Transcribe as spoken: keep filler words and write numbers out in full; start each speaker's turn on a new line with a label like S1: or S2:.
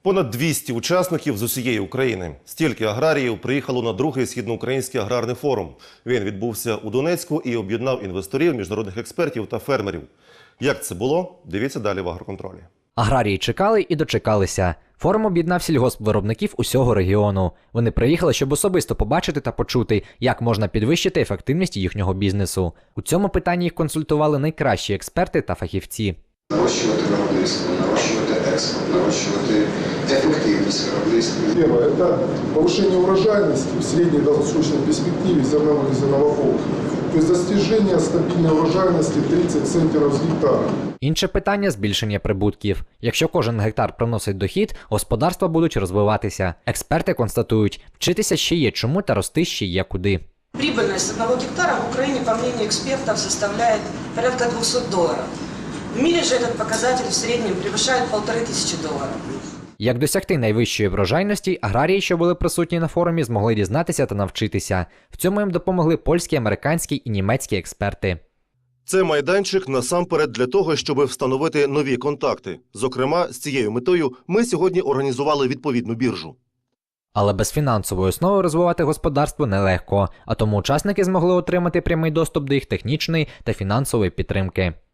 S1: Понад двісті учасників з усієї України. Стільки аграріїв приїхало на другий східноукраїнський аграрний форум. Він відбувся у Донецьку і об'єднав інвесторів, міжнародних експертів та фермерів. Як це було? Дивіться далі в агроконтролі.
S2: Аграрії чекали і дочекалися. Форум об'єднав сільгоспвиробників усього регіону. Вони приїхали, щоб особисто побачити та почути, як можна підвищити ефективність їхнього бізнесу. У цьому питанні їх консультували найкращі експерти та фахівці.
S3: Нарощувати виробництво, нарощувати експорт, нарощувати ефективність виробництва.
S4: Первое – это повышение урожайности в средней долгосрочной перспективе зерновых и зерновополых. То есть достижение стабильной урожайности тридцать центнеров с гектара.
S2: Інше питання – збільшення прибутків. Якщо кожен гектар приносить дохід, господарства будуть розвиватися. Експерти констатують, вчитися ще є чому та рости ще є куди.
S5: Прибыльность одного гектара в Украине, по мнению экспертов, составляет порядка двухсот долларов. В мире же этот показатель в среднем превышает полторы тысячи долларов.
S2: Як досягти найвищої врожайності, аграрії, що були присутні на форумі, змогли дізнатися та навчитися. В цьому їм допомогли польські, американські і німецькі експерти.
S1: Це майданчик насамперед для того, щоб встановити нові контакти. Зокрема, з цією метою ми сьогодні організували відповідну біржу.
S2: Але без фінансової основи розвивати господарство нелегко, а тому учасники змогли отримати прямий доступ до їх технічної та фінансової підтримки.